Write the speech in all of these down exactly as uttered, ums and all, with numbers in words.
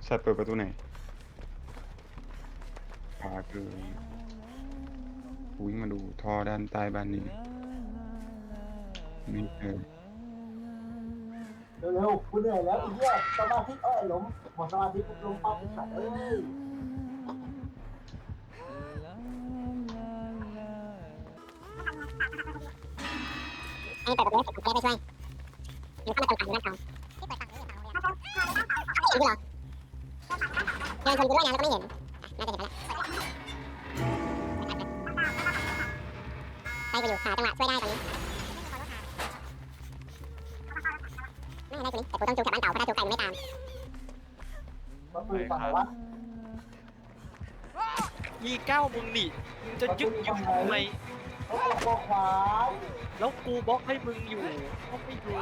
ชัดเปิดประตูไหนขวาคือวิ่งมาดูท่อด้านใต้บ้านนี้ไม่เจอเร็วๆกูเหนื่อยแล้วไอ้เหี้ยสมาธิเอ้ยหลงหมดสมาธิปุ๊บลงปั๊บไอ้สัตว์เอ้ยไอ้เปิดประตูให้เสร็จกูจะได้ไปช่วยมันเข้ามาตรงฝั่งอยู่ด้านเขาที่เปิดฝั่งนี้อยู่ฝั่งโรงเรียนเห็นกูเหรอเดินชนกูด้วยนะแล้วก็ไม่เห็นน่าจะเห็นแล้วไปไปอยู่หาจังหวะช่วยได้ตอนนี้ไม่ได้กูนี่แต่กูต้องจูงกลับบ้านเก่าเพราะถ้าจูงไปมันไม่ตามมาปืนฝั่งไหนวะอีเก้ามึงนี่มึงจะยึกยึกทำไมโอ้โหขวาแล้วกูบล็อกให้มึงอยู่ก็ไม่ดู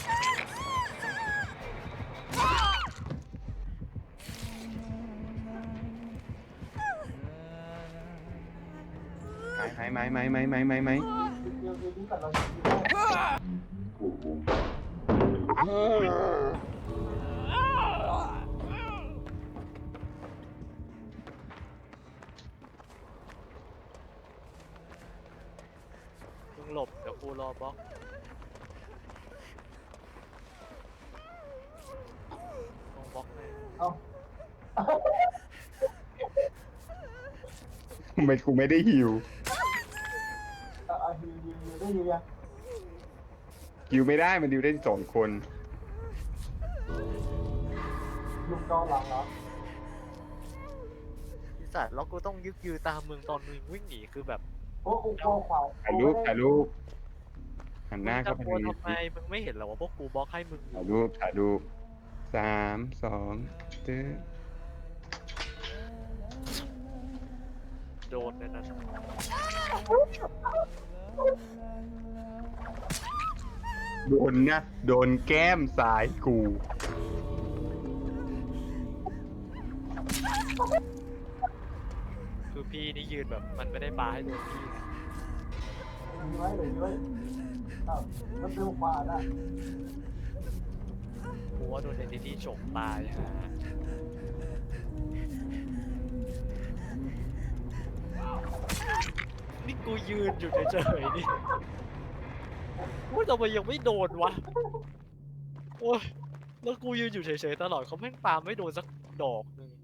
หายหายไหมไหมไหมไหมไหมไหมเดี๋ยวเดี๋ยวนี้ก่อนเราจะยิงได้มึงหลบเดี๋ยวกูรอบล็อกลงบล็อกให้เอาทำไมกูไม่ได้หิวเอาเอาฮิวฮิวฮิวได้ฮิวยังหิวไม่ได้มันดิวได้สองคนลุงนอนหลังเหรอพี่สัตว์แล้วกูต้องยึกยือตามมึงตอนมึงวิ่งหนีคือแบบโอ้กูโกขวาถ่ายรูปถ่ายรูปหันหน้ามึงเข้าจะไปกลัวทางนี้ทำไมมึงไม่เห็นเหรอว่าพวกกูบล็อกให้มึงอถ่ายยู่รูปถ่ายรูปสามสองตึ๊ดโดนในนั้นโดนนะโดนแก้มซ้ายกูคือพี่นี่ยืนแบบมันไม่ได้ปาให้โดนพี่นะยิงไว้หรือยิงไว้เอ้ามันเป็นขวาน่ะกูว่าโดนเดนติตี้ฉกตายฮะนี่กูยืนอยู่เฉยๆนี่โอ้ยทำไมยังไม่โดนวะโอ้ยแล้วกูยืนอยู่เฉยๆตลอดเขาแม่งปาไม่โดนสักดอกหนึ่ง